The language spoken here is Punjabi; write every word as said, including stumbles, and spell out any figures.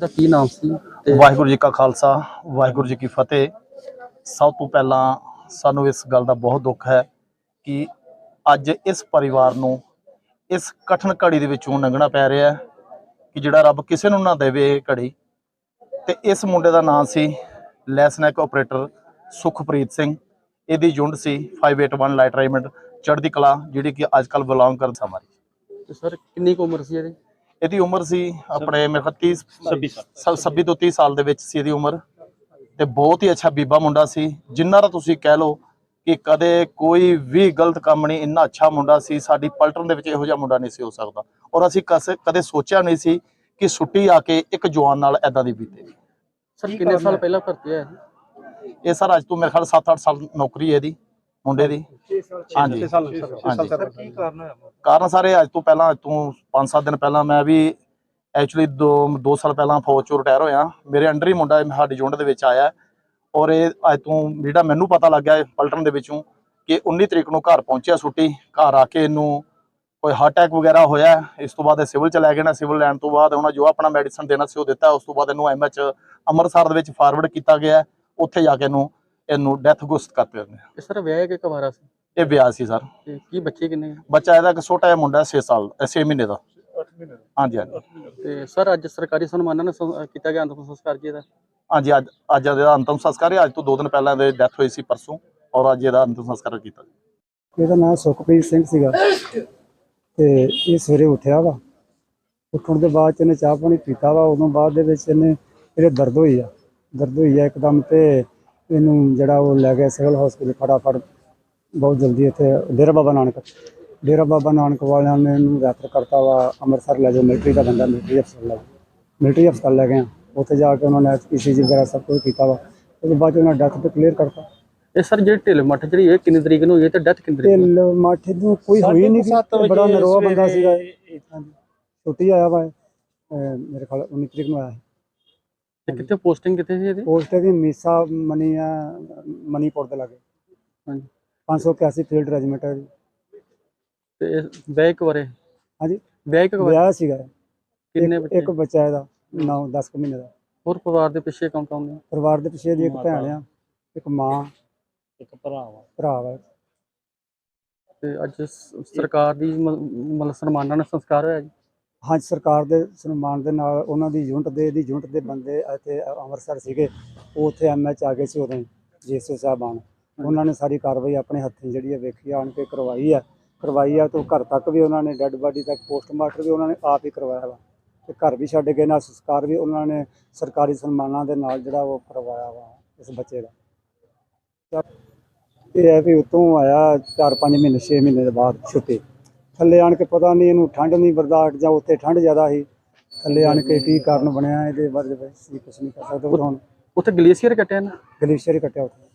ਦਾ ਕੀ ਨਾਮ ਸੀ ਤੇ ਵਾਹਿਗੁਰੂ जी का खालसा वाहिगुरू जी की फतेह। सब तो पहला सानू इस गल का बहुत दुख है कि अज इस परिवार नू इस कठिन घड़ी दे विचों लंघना पै रहा है कि जिहड़ा रब किसी नू ना देवे ये घड़ी। ते इस मुंडे का नाम सी लैसनैक ऑपरेटर सुखप्रीत सिंह। इहदी यूनिट सी five eight one light regiment चढ़दी कला जिहड़ी कि अजकल बिलोंग कर समारी। ਤੇ ਸਰ ਕਿੰਨੀ ਕੁ ਉਮਰ ਸੀ ਇਹਦੀ? ਇਹਦੀ ਉਮਰ ਸੀ ਆਪਣੇ ਮੇਰੇ ਖਿਆਲ तीस छब्बी ਤੋਂ तीस ਸਾਲ ਦੇ ਵਿੱਚ ਸੀ ਇਹਦੀ ਉਮਰ। ਤੇ ਬਹੁਤ ਹੀ ਅੱਛਾ ਬੀਬਾ ਮੁੰਡਾ ਸੀ, ਜਿੰਨਾ ਦਾ ਤੁਸੀਂ ਕਹਿ ਲਓ ਕਿ ਕਦੇ ਕੋਈ ਵੀ ਗਲਤ ਕੰਮ ਨਹੀਂ। ਇੰਨਾ ਅੱਛਾ ਮੁੰਡਾ ਸੀ, ਸਾਡੀ ਪਲਟਨ ਦੇ ਵਿੱਚ ਇਹੋ ਜਿਹਾ ਮੁੰਡਾ ਨਹੀਂ ਸੀ ਹੋ ਸਕਦਾ। ਔਰ ਅਸੀਂ ਕਦੇ ਕਦੇ ਸੋਚਿਆ ਨਹੀਂ ਸੀ ਕਿ ਛੁੱਟੀ ਆ ਕੇ ਇੱਕ ਜਵਾਨ ਨਾਲ ਐਦਾਂ ਦੀ ਬੀਤੇਗੀ। ਸਰ ਕਿੰਨੇ ਸਾਲ ਪਹਿਲਾਂ ਭਰਤੀ ਹੋਇਆ ਸੀ? ਇਹ ਸਰ ਅੱਜ ਤੋਂ ਮੇਰੇ ਖਿਆਲ ਸੱਤ ਅੱਠ ਸਾਲ ਨੌਕਰੀ ਹੈ ਇਹਦੀ ਮੁੰਡੇ ਦੀ। ਹਾਂਜੀ ਕੀ ਕਾਰਨ ਹੋਇਆ? ਕਾਰਨ ਸਾਰੇ ਅੱਜ ਤੋਂ ਪਹਿਲਾਂ ਅੱਜ ਤੋਂ ਪੰਜ ਸੱਤ ਦਿਨ ਪਹਿਲਾਂ ਮੈਂ ਵੀ ਐਕਚੁਅਲੀ ਦੋ ਦੋ ਸਾਲ ਪਹਿਲਾਂ ਫੌਜ ਚੋਂ ਰਿਟਾਇਰ ਹੋਇਆ। ਮੇਰੇ ਅੰਡਰ ਹੀ ਮੁੰਡਾ ਸਾਡੀ ਯੂਨਿਟ ਦੇ ਵਿੱਚ ਆਇਆ ਔਰ ਇਹ ਅੱਜ ਤੋਂ ਜਿਹੜਾ ਮੈਨੂੰ ਪਤਾ ਲੱਗਿਆ ਪਲਟਨ ਦੇ ਵਿੱਚੋਂ ਕਿ ਉੱਨੀ ਤਰੀਕ ਨੂੰ ਘਰ ਪਹੁੰਚਿਆ ਛੁੱਟੀ। ਘਰ ਆ ਕੇ ਇਹਨੂੰ ਕੋਈ ਹਾਰਟ ਅਟੈਕ ਵਗੈਰਾ ਹੋਇਆ। ਇਸ ਤੋਂ ਬਾਅਦ ਇਹ ਸਿਵਲ ਚ ਲੈ ਗਏ ਨਾ, ਸਿਵਲ ਲੈਣ ਤੋਂ ਬਾਅਦ ਉਹਨਾਂ ਜੋ ਆਪਣਾ ਮੈਡੀਸਨ ਦੇਣਾ ਸੀ ਉਹ ਦਿੱਤਾ। ਉਸ ਤੋਂ ਬਾਅਦ ਇਹਨੂੰ ਐਮ ਐਚ ਅੰਮ੍ਰਿਤਸਰ ਦੇ ਵਿੱਚ ਫਾਰਵਰਡ ਕੀਤਾ ਗਿਆ। ਉੱਥੇ ਜਾ ਕੇ ਇਹਨੂੰ ਇਹਨੂੰ ਡੈਥ ਘੋਸ਼ਿਤ ਕਰ ਦਿੱਤਾ। ਇਹ ਸਰ ਵਿਆਹ ਕੇ ਕੁਵਾਰਾ ਸੀ? ਇਹ ਵਿਆਹ ਸੀ ਸਰ। ਤੇ ਕੀ ਬੱਚੇ ਕਿੰਨੇ? ਬੱਚਾ ਇਹਦਾ ਇੱਕ ਛੋਟਾ ਜਿਹਾ ਮੁੰਡਾ ਛੇ ਸਾਲ ਛੇ ਮਹੀਨੇ ਦਾ। ਹਾਂਜੀ ਹਾਂਜੀ। ਤੇ ਸਰ ਅੱਜ ਸਰਕਾਰੀ ਸਨਮਾਨਾਂ ਨਾਲ ਸੰ- ਕੀਤਾ ਗਿਆ ਅੰਤਿਮ ਸੰਸਕਾਰ ਜੀ ਇਹਦਾ? ਹਾਂਜੀ ਅੱਜ ਅੱਜ ਇਹਦਾ ਅੰਤਮ ਸੰਸਕਾਰ ਹੈ। ਅੱਜ ਤੋਂ ਦੋ ਦਿਨ ਪਹਿਲਾਂ ਇਹਦੀ ਡੈਥ ਹੋਈ ਸੀ ਪਰਸੋਂ, ਔਰ ਅੱਜ ਇਹਦਾ ਅੰਤਮ ਸੰਸਕਾਰ ਕੀਤਾ। ਇਹਦਾ ਨਾਮ ਸੁਖਪ੍ਰੀਤ ਸਿੰਘ ਸੀਗਾ ਤੇ ਇਹ ਸਵੇਰੇ ਉੱਠਿਆ ਵਾ। ਉੱਠਣ ਦੇ ਬਾਅਦ 'ਚ ਇਹਨੇ ਚਾਹ ਪਾਣੀ ਪੀਤਾ ਵਾ। ਉਦੋਂ ਬਾਅਦ ਦੇ ਵਿੱਚ ਇਹਨੇ ਇਹਦੇ ਦਰਦ ਹੋਈ ਆ ਦਰਦ ਹੋਈ ਆ ਇੱਕਦਮ। ਤੇ ਇਹਨੂੰ ਜਿਹੜਾ ਉਹ ਲੈ ਗਿਆ ਸਿਵਲ ਹਸਪੀਟਲ ਫਟਾਫਟ ਬਹੁਤ ਜਲਦੀ। ਇੱਥੇ ਡੇਰਾ ਬਾਬਾ ਨਾਨਕ ਡੇਰਾ ਬਾਬਾ ਨਾਨਕ ਵਾਲਿਆਂ ਨੇ ਇਹਨੂੰ ਰੈਫਰ ਕਰਤਾ ਵਾ ਅੰਮ੍ਰਿਤਸਰ ਲੈ ਜਾਓ। ਮਿਲਟਰੀ ਦਾ ਬੰਦਾ ਮਿਲਟਰੀ ਹਸਪਤਾਲ ਲੈ ਮਿਲਟਰੀ ਹਸਪਤਾਲ ਲੈ ਗਏ। ਉੱਥੇ ਜਾ ਕੇ ਉਹਨਾਂ ਨੇ ਈ ਸੀ ਜੀ ਵਗੈਰਾ ਸਭ ਕੁਝ ਕੀਤਾ ਵਾ। ਉਹਦੇ ਬਾਅਦ 'ਚ ਉਹਨਾਂ ਡੈਥ ਤੇ ਕਲੀਅਰ ਕਰਤਾ। ਇਹ ਸਰ ਜਿਹੜੀ ਢਿੱਲ ਮੱਠ ਜਿਹੜੀ ਇਹ ਕਿੰਨੀ ਤਰੀਕ ਨੂੰ ਹੋਈ ਹੈ ਤੇ ਡੈਥ ਕਿੰਨੀ ਤਰੀਕ ਨੂੰ? ਢਿੱਲ ਮੱਠ ਨੂੰ ਕੋਈ ਹੋਈ ਨਹੀਂ ਸੀ। ਬੜਾ ਨਰੋਆ ਬੰਦਾ ਸੀਗਾ। ਛੁੱਟੀ ਆਇਆ ਵਾ ਮੇਰੇ ਖਿਆਲ ਉੱਨੀ ਤਰੀਕ ਨੂੰ ਆਇਆ ਸੀ। ਤੇ ਕਿੱਥੇ ਪੋਸਟਿੰਗ ਕਿੱਥੇ ਸੀ ਇਹਦੀ? ਪੋਸਟ ਦੀ ਮੀਸਾ ਮਨੀ ਆ ਮਨੀਪੁਰ ਦੇ ਲਾਗੇ। ਹਾਂਜੀ। ਪੰਜ ਸੌ ਇਕਿਆਸੀ ਫੀਲਡ ਰੈਜੀਮੈਂਟ ਹੈ ਜੀ। ਤੇ ਵਿਆਹ ਕੁਵਾਰੇ? ਹਾਂਜੀ ਵਿਆਹ ਕੁਵਾਰੇ? ਵਿਆਹ ਸੀਗਾ। ਕਿੰਨੇ ਇੱਕ- ਬੱਚੇ? ਇੱਕ ਬੱਚਾ ਇਹਦਾ ਨੌ ਦਸ ਕੁ ਮਹੀਨੇ ਦਾ। ਹੋਰ ਪਰਿਵਾਰ ਦੇ ਪਿੱਛੇ ਕੌਣ ਕੌਣ ਨੇ? ਪਰਿਵਾਰ ਦੇ ਪਿੱਛੇ ਦੀ ਇੱਕ ਭੈਣ ਆ, ਇੱਕ ਮਾਂ, ਇੱਕ ਭਰਾ ਵਾ। ਭਰਾ ਵਾ। ਤੇ ਅੱਜ ਸ- ਸਰਕਾਰ ਦੀ ਮ- ਮਤਲਬ ਸਨਮਾਨਾਂ ਨਾਲ ਸੰਸਕਾਰ ਹੋਇਆ ਜੀ? ਹਾਂਜੀ ਸਰਕਾਰ ਦੇ ਸਨਮਾਨ ਦੇ ਨਾਲ ਉਹਨਾਂ ਦੀ ਯੂਨਿਟ ਦੇ ਦੀ ਯੂਨਿਟ ਦੇ ਬੰਦੇ ਇੱਥੇ ਅੰਮ੍ਰਿਤਸਰ ਸੀਗੇ। ਉਹ ਉੱਥੇ ਐਮ ਐਚ ਆ ਗਏ ਸੀ ਉਦੋਂ ਜੀ ਐਸ ਓ ਸਾਹਿਬਾਨ। ਉਹਨਾਂ ਨੇ ਸਾਰੀ ਕਾਰਵਾਈ ਆਪਣੇ ਹੱਥੀਂ ਜਿਹੜੀ ਹੈ ਵੇਖੀ ਆਣ ਕੇ ਕਰਵਾਈ ਆ ਕਰਵਾਈ ਆ ਤੋਂ ਘਰ ਤੱਕ ਵੀ ਉਹਨਾਂ ਨੇ ਡੈੱਡ ਬਾਡੀ ਤੱਕ ਪੋਸਟਮਾਰਟਮ ਵੀ ਉਹਨਾਂ ਨੇ ਆਪ ਹੀ ਕਰਵਾਇਆ ਵਾ। ਤੇ ਘਰ ਵੀ ਛੱਡ ਗਏ ਨਾਲ ਸੰਸਕਾਰ ਵੀ ਉਹਨਾਂ ਨੇ ਸਰਕਾਰੀ ਸਨਮਾਨਾਂ ਦੇ ਨਾਲ ਜਿਹੜਾ ਉਹ ਕਰਵਾਇਆ ਵਾ ਇਸ ਬੱਚੇ ਦਾ। ਇਹ ਹੈ ਵੀ ਉਤੋਂ ਆਇਆ ਚਾਰ ਪੰਜ ਮਹੀਨੇ ਛੇ ਮਹੀਨੇ ਦੇ ਬਾਅਦ ਛੁੱਟੀ। ਥੱਲੇ ਆਣ ਕੇ ਪਤਾ ਨਹੀਂ ਇਹਨੂੰ ਠੰਡ ਨਹੀਂ ਬਰਦਾਸ਼ਤ ਜਾਂ ਉੱਥੇ ਠੰਡ ਜ਼ਿਆਦਾ ਸੀ। ਥੱਲੇ ਆਣ ਕੇ ਕੀ ਕਾਰਨ ਬਣਿਆ ਇਹਦੇ ਬਾਰੇ ਅਸੀਂ ਕੁਛ ਨਹੀਂ ਕਰ ਸਕਦੇ। ਹੁਣ ਉੱਥੇ ਗਲੇਸ਼ੀਅਰ ਕੱਟਿਆ ਨਾ? ਗਲੇਸ਼ੀਅਰ ਹੀ ਕੱਟਿਆ ਉੱਥੇ।